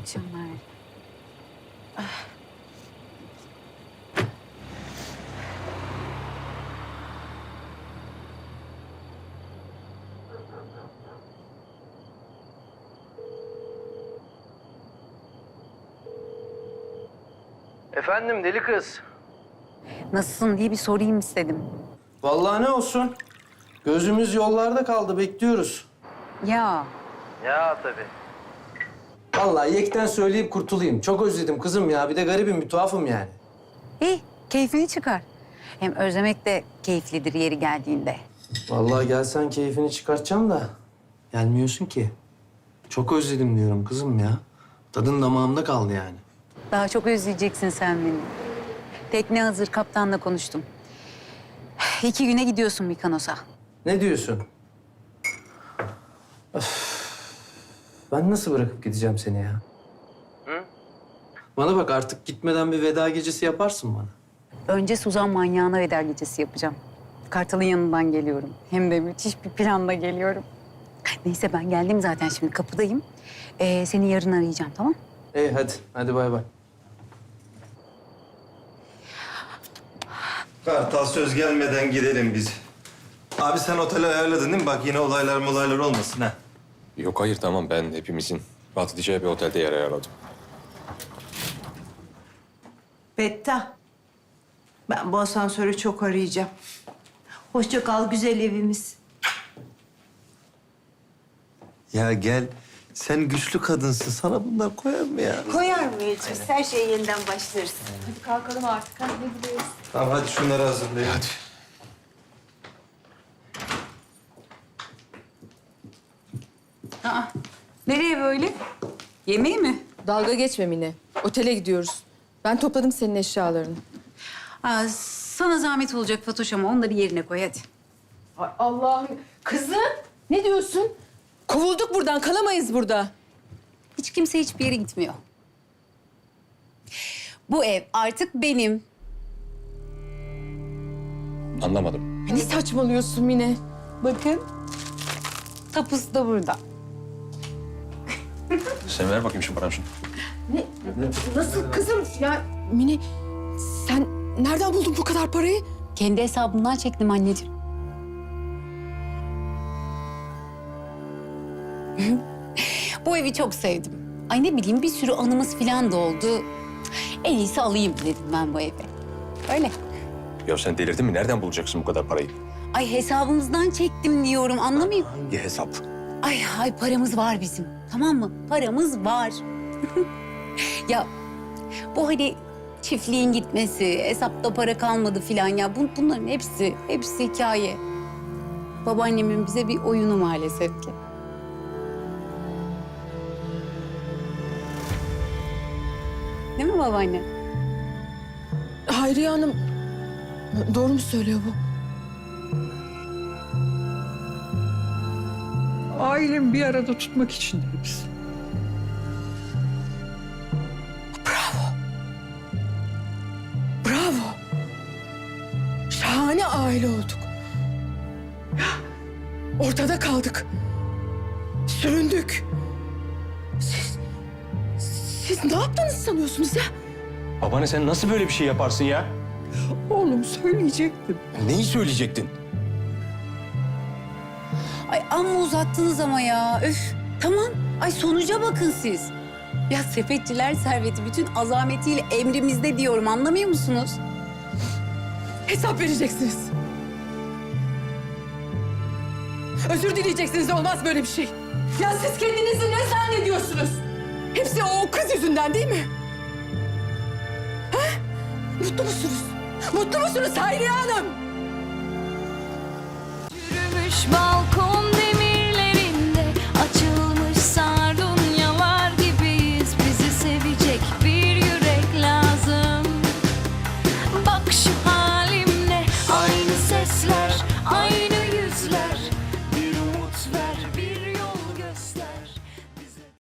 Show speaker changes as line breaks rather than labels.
akşamlar.
Efendim deli kız.
Nasılsın diye bir sorayım istedim.
Vallahi ne olsun. Gözümüz yollarda kaldı, bekliyoruz.
Ya
Ya tabii. Vallahi yekten söyleyip kurtulayım. Çok özledim kızım ya. Bir de garibim, bir tuhafım yani.
iyi, keyfini çıkar. Hem özlemek de keyiflidir yeri geldiğinde.
Vallahi gelsen keyfini çıkartacağım da gelmiyorsun ki. Çok özledim diyorum kızım ya. Tadın damağımda kaldı yani.
Daha çok özleyeceksin sen beni. Tekne hazır, kaptanla konuştum. 2 güne gidiyorsun Mikonos'a.
Ne diyorsun? Öf. Ben nasıl bırakıp gideceğim seni ya? Hı? Bana bak, artık gitmeden bir veda gecesi yaparsın bana.
Önce Suzan manyağına veda gecesi yapacağım. Kartal'ın yanından geliyorum. Hem de müthiş bir planla geliyorum. Neyse ben geldim zaten, şimdi kapıdayım. Seni yarın arayacağım, tamam?
İyi hadi, hadi bay bay.
Kartal söz gelmeden gidelim biz. Abi sen oteli ayarladın değil mi? Bak yine olaylar olmasın ha.
Yok hayır tamam, ben hepimizin rahat edeceği bir otelde yer ayarladım.
Betta, ben bu asansörü çok arayacağım. Hoşça kal güzel evimiz.
Ya gel. Sen güçlü kadınsın. Sana bunlar koyar mı ya?
Koyar mıyız biz? Her şeye yeniden başlarız.
Kalkalım artık. Hadi ne gidiyoruz?
Tamam hadi şunları hazırlayın. Hadi.
Aa, nereye böyle? Yemeğe mi?
Dalga geçme Mine. Otele gidiyoruz. Ben topladım senin eşyalarını.
Aa, sana zahmet olacak Fatoş ama onları yerine koy hadi.
Ay Allah'ım. Kızım ne diyorsun? Kovulduk buradan. Kalamayız burada.
Hiç kimse hiçbir yere gitmiyor. Bu ev artık benim.
Anlamadım.
Ne saçmalıyorsun Mine?
Bakın. Tapusu da burada.
Sen ver bakayım şu paranı şunu.
Nasıl kızım? Ya Mine sen nereden buldun bu kadar parayı?
Kendi hesabımdan çektim anneciğim. Bu evi çok sevdim. Ay ne bileyim, bir sürü anımız falan da oldu. En iyisi alayım dedim ben bu evi. Öyle.
Ya sen delirdin mi? Nereden bulacaksın bu kadar parayı?
Ay hesabımızdan çektim diyorum, anlamayayım.
Hangi hesap?
Ay paramız var bizim, tamam mı? Paramız var. Ya bu hani çiftliğin gitmesi, hesapta para kalmadı filan ya bunların hepsi hikaye. Babaannemin bize bir oyunu maalesef ki. Değil mi babaanne?
Hayriye Hanım doğru mu söylüyor bu?
Ailemi bir arada tutmak için hepsi.
Bravo. Şahane aile olduk. Ortada kaldık. Süründük. Siz ne yaptınız sanıyorsunuz ya?
Babaanne sen nasıl böyle bir şey yaparsın ya?
Oğlum söyleyecektim.
Neyi söyleyecektin?
Ay amma uzattınız ama ya. Öf. Tamam. Ay sonuca bakın siz. Ya sepetçiler serveti bütün azametiyle emrimizde diyorum, anlamıyor musunuz?
Hesap vereceksiniz. Özür dileyeceksiniz, olmaz böyle bir şey. Ya siz kendinizi ne zannediyorsunuz? Hepsi o kız yüzünden değil mi? Ha? Mutlu musunuz? Mutlu musunuz Hayriye Hanım?
Yürümüş balkon